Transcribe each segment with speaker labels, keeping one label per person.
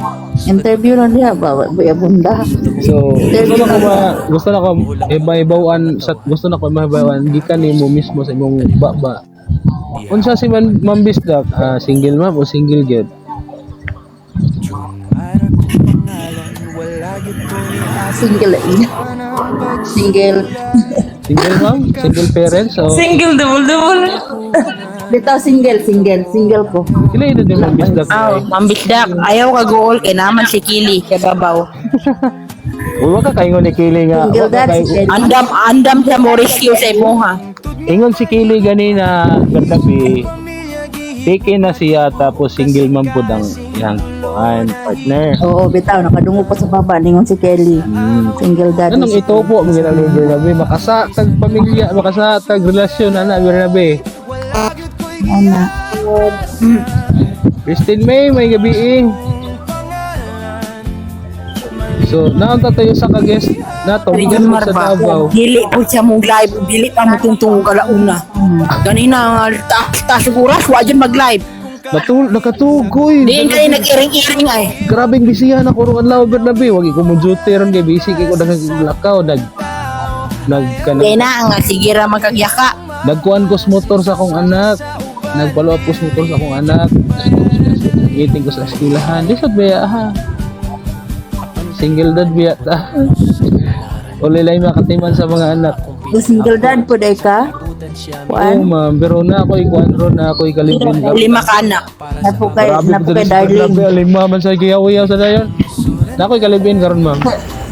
Speaker 1: Interview na niya ba buya bunda.
Speaker 2: So, gusto na ko iba-ibawan sa gusto na ko iba-ibawan gikan nimo mismo sa imong baba. Unsa si Ma'am Bisdak, single ma'am o single gyud?
Speaker 1: Single. Single.
Speaker 2: Single ma'am? Single parents o
Speaker 3: Single, double.
Speaker 1: Bitaw single ko.
Speaker 2: kila ito din Ma'am Bisdak?
Speaker 3: Mambisdak. Ayaw ka goal kay naman si Kili kay babaw.
Speaker 2: Uy, wag ka kaingon ni Kili nga.
Speaker 1: Single
Speaker 2: Wag ka
Speaker 1: dad,
Speaker 2: kay-
Speaker 1: single.
Speaker 3: Andam siya mo rescue sa imuha.
Speaker 2: Ingon si Kili ganina gatabi. Take na siya tapos single ma'am po ang iyang partner.
Speaker 1: Oo, bitaw nakadungo pa sa baba ningon si Kelly. Single dad.
Speaker 2: Anong ito po mga ginagawa Bernabe? Makasatag pamilya, makasatag relasyon, ana Bernabe.
Speaker 1: Ana.
Speaker 2: Christine may gabi eh. So, naunta tayo sa ka-guest nato,
Speaker 3: Rigon
Speaker 2: guest sa
Speaker 3: Marba.
Speaker 2: Davao.
Speaker 3: Dili po siya mong live. Dili pa mo tungtong kalauna. Ganina nga tasuguras. Wajan mag-live.
Speaker 2: Nakatugoy.
Speaker 3: Diin kayo nag-iring-iring ay.
Speaker 2: Grabing bisihan ako ron adlaw Bernabe. Wag ko mo duty ron kay busy kay ko naglakaw
Speaker 3: Kaya na nga. Sige ra magkagyaka.
Speaker 2: nagkuan ko sa motor sa akong anak. Nagpalo ko sa motor sa akong anak. Iting ko sa eskwelahan. Di sad baya ha. Single dad biya ta. Ulay makatiman sa mga anak.
Speaker 1: Single dad po day ka?
Speaker 2: Oo
Speaker 1: Kuan?
Speaker 2: ma'am, pero na ako ikuan ron na ako ikalibin ka.
Speaker 3: 5 ka anak.
Speaker 1: Napo kay
Speaker 2: Grabe,
Speaker 1: darling.
Speaker 2: lima man sa giyaw-yaw sa dayon. Na ako ikalibin karon ma'am.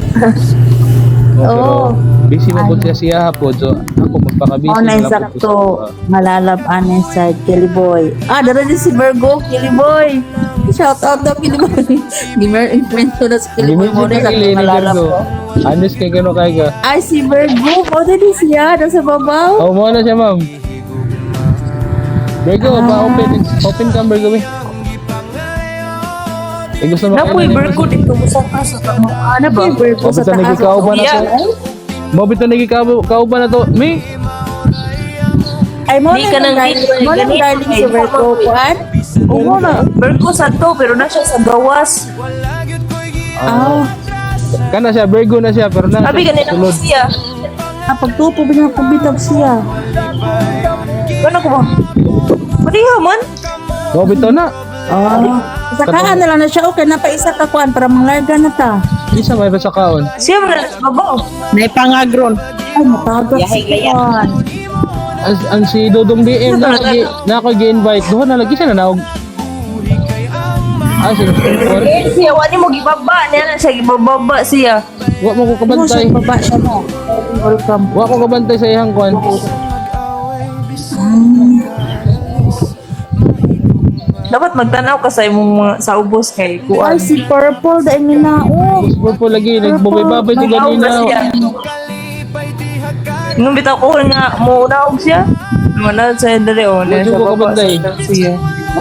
Speaker 1: Oo.
Speaker 2: Busy mo po siya hapon, so ako magpaka-busy.
Speaker 1: Online
Speaker 2: lang po
Speaker 1: sakto.
Speaker 2: sa-
Speaker 1: Malalab inside Kelly Boy. Dara din si Virgo, Kelly Boy. Shout out daw Kelly Boy. Gimer influencer na si Kelly
Speaker 2: Hindi
Speaker 1: Boy
Speaker 2: mo
Speaker 1: mo na
Speaker 2: siya
Speaker 1: sa
Speaker 2: kakili ni
Speaker 1: malalab
Speaker 2: Virgo.
Speaker 1: ko.
Speaker 2: Anis kay kano kay ka.
Speaker 1: Ay, si Virgo. O, din siya. Nasa babaw.
Speaker 2: Oh, mo na siya ma'am. Virgo, open ka Virgo eh. Gusto mo
Speaker 3: Napoy Virgo dito mo sa kaso.
Speaker 1: Ano ba? Virgo sa
Speaker 2: Mabito
Speaker 1: taas.
Speaker 2: nagikauban na to. Mabito nagikauban na to. Me?
Speaker 1: Ay, mo
Speaker 3: Di ka nang
Speaker 1: mo nang darling si Virgo. Kuan?
Speaker 3: Oo na. Virgo sa to pero na siya sa gawas.
Speaker 1: Ah,
Speaker 2: Kana siya, Virgo na siya, pero na
Speaker 3: Sabi ganina ko siya.
Speaker 1: pagtupo ba niya pagbitab siya?
Speaker 3: Ano ko ba? Mariha man.
Speaker 2: Mabito na.
Speaker 1: Sakaan na lang na siya. Okay, napaisa ka kuan para manglarga na ta.
Speaker 2: Isa may sa kaon.
Speaker 3: Siya man babaw. May pangagron.
Speaker 1: Ay, matagas
Speaker 3: Yahay
Speaker 1: si
Speaker 3: gaya.
Speaker 1: kuan.
Speaker 2: Ang si Dodong BM na ako gi-invite. Doon na lagi siya na naog. Sino?
Speaker 3: Siya wani mo gibaba niya na siya gibababa siya.
Speaker 2: Wa mo ko
Speaker 1: Ano
Speaker 2: kabantay.
Speaker 1: siya baba siya mo? Welcome.
Speaker 2: Wa ko kabantay sa iyang kwan.
Speaker 3: Dapat magtanaw ka sa imong mga sa ubos kay
Speaker 1: Ay,
Speaker 3: kuan.
Speaker 1: si Purple dahil minaog.
Speaker 2: Gusto po lagi nagbabay-babay di
Speaker 3: Naog
Speaker 2: ganina.
Speaker 3: na siya. Nung bitaw ko nga mo naog siya. Manad sa dali o na
Speaker 2: Medyo
Speaker 3: siya
Speaker 2: ko
Speaker 3: baba
Speaker 2: kabantay.
Speaker 3: siya.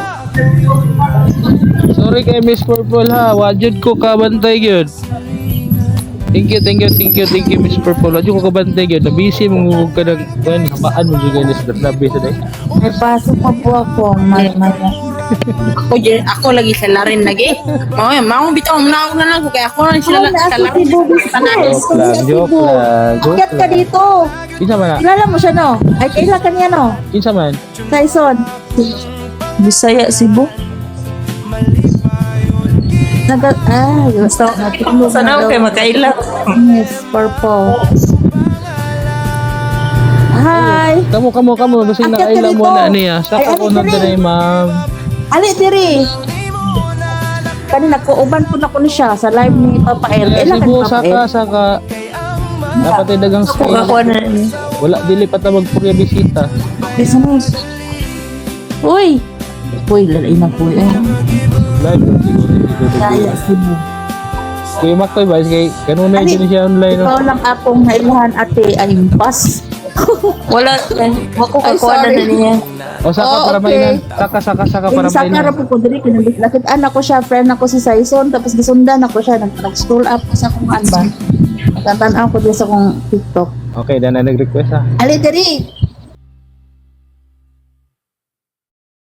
Speaker 2: Sorry kay Miss Purple ha. Wajud ko kabantay gyud. Thank you Miss Purple. Wajud ko kabantay gyud. Na busy mong ka ng kwan habaan mo gyud ni sa labi sa day.
Speaker 1: May pasok pa po ako.
Speaker 3: Ako lagi sa larin lagi. Mao bitaw naog na lang kay ako lang sila sa larin.
Speaker 2: Joke lang.
Speaker 1: Akyat ka dito.
Speaker 2: Kinsa man na?
Speaker 1: Kilala mo siya, no? Ay, kaila ka niya, no?
Speaker 2: Kinsa man?
Speaker 1: Tyson.
Speaker 3: Bisaya Cebu.
Speaker 1: Gusto natulog
Speaker 3: Sana kay makaila.
Speaker 1: Yes, Purple. Hi.
Speaker 2: Kamo kasi
Speaker 1: Akyat ka
Speaker 2: nakaila mo
Speaker 1: dito.
Speaker 2: na niya. Saka
Speaker 1: Ay,
Speaker 2: ko
Speaker 1: ano
Speaker 2: na
Speaker 1: diri?
Speaker 2: dinay ma'am.
Speaker 1: Ali, diri. Kanina, kuuban po na ko na siya sa live ni Papa El. Kailan ka ni
Speaker 2: Cebu
Speaker 1: Papa El?
Speaker 2: saka dapat ay dagang
Speaker 3: Ako
Speaker 2: style.
Speaker 3: kakuha na niya.
Speaker 2: Wala dili pa ta magpurya bisita.
Speaker 1: Business. Uy. Uy, lalay na po eh.
Speaker 2: Live siguro dito.
Speaker 1: Kaya Cebu.
Speaker 2: Kuya Makoy ba kay kanunay
Speaker 1: Ali,
Speaker 2: din siya online no.
Speaker 1: ikaw lang akong nailahan ate ay impas.
Speaker 3: Wala. Ako
Speaker 1: Ay,
Speaker 3: kakuha na
Speaker 1: sorry.
Speaker 3: niya.
Speaker 2: O saka
Speaker 1: Oh,
Speaker 2: para
Speaker 1: okay.
Speaker 2: mainan. Saka para
Speaker 1: Sa
Speaker 2: mainan.
Speaker 1: kara po ko diri kinabit lakit anak ko siya, friend ako si Saison, tapos gisundan ako siya, nag-scroll up ko sa akong ba. Tatan-aw ko din sa akong TikTok.
Speaker 2: Okay, dan na nag-request ha.
Speaker 1: Ali diri.